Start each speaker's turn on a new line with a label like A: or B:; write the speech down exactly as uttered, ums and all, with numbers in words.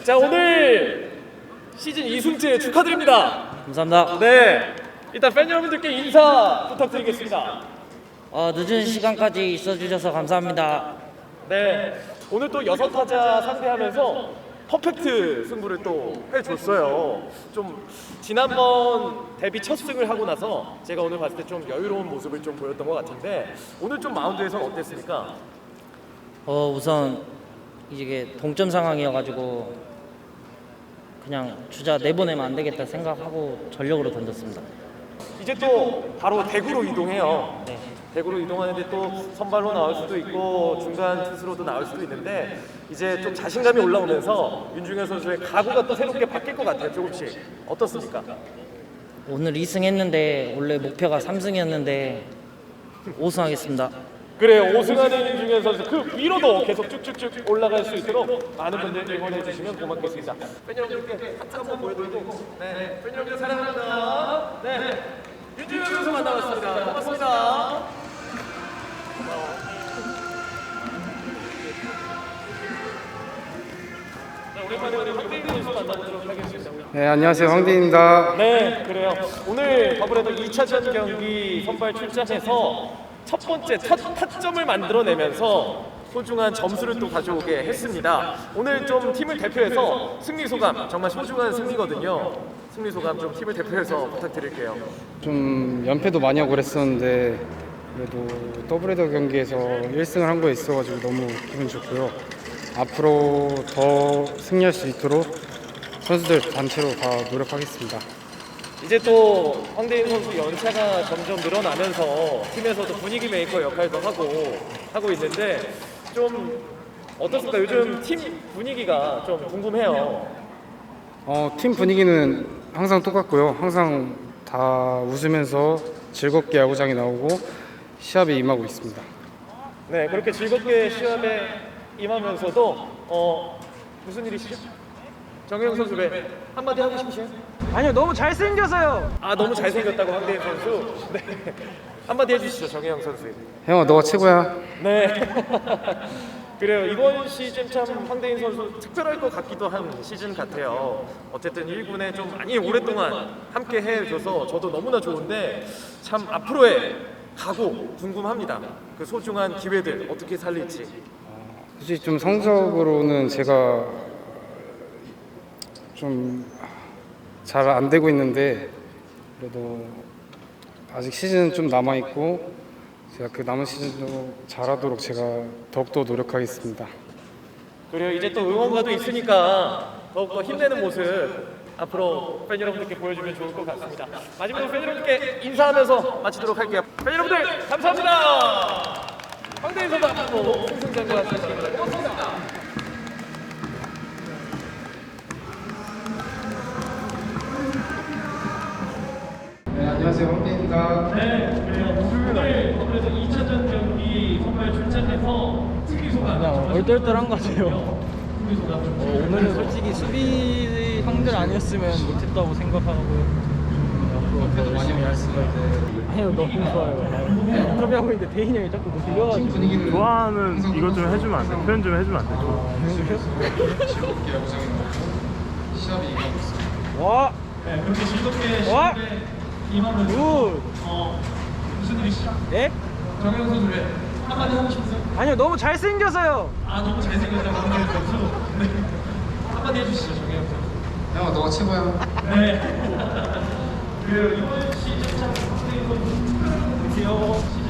A: 자, 오늘 시즌 이 승째 축하드립니다.
B: 감사합니다.
A: 네, 일단 팬 여러분들께 인사 부탁드리겠습니다.
B: 어, 늦은 시간까지 있어주셔서 감사합니다.
A: 네, 오늘 또 여섯 타자 상대하면서 퍼펙트 승부를 또 해줬어요. 좀 지난번 데뷔 첫 승을 하고 나서 제가 오늘 봤을 때 좀 여유로운 모습을 좀 보였던 것 같은데 오늘 좀 마운드에서 어땠습니까?
B: 어, 우선 이게 동점 상황이어가지고 그냥 주자 내보내면 안 되겠다 생각하고 전력으로 던졌습니다.
A: 이제 또 바로 대구로 이동해요.
B: 네.
A: 대구로 이동하는데 또 선발로 나올 수도 있고 중간 투수로도 나올 수도 있는데 이제 좀 자신감이 올라오면서 윤중현 선수의 각오가 또 새롭게 바뀔 것 같아요. 조금씩 어떻습니까?
B: 오늘 이 승 했는데 원래 목표가 삼 승이었는데 오 승 하겠습니다.
A: 그래요. 오 승하는 윤중현 선수 그 위로도 계속 쭉쭉쭉 올라갈 수 있도록 많은 분들 응원해 주시면 고맙겠습니다. 팬 여러분들께 하트 한번 보여드리고 네, 팬 여러분들 사랑합니다. 네, 윤중현 선수 만나봤습니다. 고맙습니다. 자, 오랜만에 우리 황대인 선수 만나보도록 하겠습니다.
C: 네, 안녕하세요. 황대인입니다.
A: 네, 그래요. 오늘 아무래도 이 차전 경기 선발 출전해서 첫 번째 첫 타점을 만들어내면서 소중한 점수를 또 가져오게 했습니다. 오늘 좀 팀을 대표해서 승리 소감, 정말 소중한 승리거든요. 승리 소감 좀 팀을 대표해서 부탁드릴게요.
C: 좀 연패도 많이 하고 그랬었는데 그래도 더블헤더 경기에서 일 승을 한 거에 있어가지고 너무 기분 좋고요. 앞으로 더 승리할 수 있도록 선수들 단체로 다 노력하겠습니다.
A: 이제 또 황대인 선수 연차가 점점 늘어나면서 팀에서도 분위기 메이커 역할도 하고 하고 있는데 좀 어떻습니까? 요즘 팀 분위기가 좀 궁금해요.
C: 어, 팀 분위기는 항상 똑같고요. 항상 다 웃으면서 즐겁게 야구장에 나오고 시합에 임하고 있습니다.
A: 네, 그렇게 즐겁게 시합에 임하면서도 어 무슨 일이시죠? 정혜영 선수 왜 한마디 하고 싶으세요?
D: 아니요, 너무 잘생겨서요.
A: 아, 너무 잘생겼다고 황대인 선수. 네, 한마디 해주시죠, 정혜영 선수.
C: 형아, 너가 최고야.
A: 네. 그래요. 이번 시즌 참 황대인 선수 특별할 것 같기도 한 시즌 같아요. 어쨌든 일 군에 좀 많이 오랫동안 함께 해줘서 저도 너무나 좋은데 참 앞으로의 각오 궁금합니다. 그 소중한 기회들 어떻게 살릴지.
C: 솔직히 좀 성적으로는 제가 좀 잘 안 되고 있는데 그래도 아직 시즌은 좀 남아 있고 제가 그 남은 시즌도 잘하도록 제가 더욱더 노력하겠습니다.
A: 그래요. 이제 또 응원가도 있으니까 더욱더 힘내는 모습 앞으로 팬 여러분들께 보여주면 좋을 것 같습니다. 마지막으로 팬 여러분들께 인사하면서 마치도록 할게요. 팬 여러분들 감사합니다. 황대인 선수 앞으로 승승장구하 시겠습니다. 고맙습니다.
C: 네, 안녕하세요. 황대인입니다.
A: 네, 그래요. 오늘 아무래도 이 차전 경기 선발 출전해서 승리 소감.
D: 그냥 얼떨떨한 것 같아요.
A: 승리 소감 좀.
D: 어, 오늘은 솔직히 수비 형들 아니었으면 못했다고 생각하고
C: 옆에도 많이 할 수가 있는데
D: 아니요, 너무 좋아요. 인터뷰하고 있는데 대인이 형이 자꾸 들려가지고
C: 분위기는
E: 좋아하는 이것 좀 해주면 안 돼? 표현 좀 해주면 안 돼?
C: 즐겁게 야구장에 나오고 시합에 임하고 있습니다.
D: 와!
A: 네, 그렇게 즐겁게
D: 와!
A: 시합에 임하면서
D: 굿!
A: 어 무슨 일이시죠?
D: 예?
A: 정혜영 선수 왜 한마디 하고 싶으세요?
D: 아니요, 너무 잘생겨서요.
A: 아, 너무 잘생겼다고 황대인 선수. 네. 한마디 해주시죠, 정혜영 선수.
C: 형아, 너가 최고야.
A: 네. 그래요. 이번 시즌 참 황대인 선수 큰 목표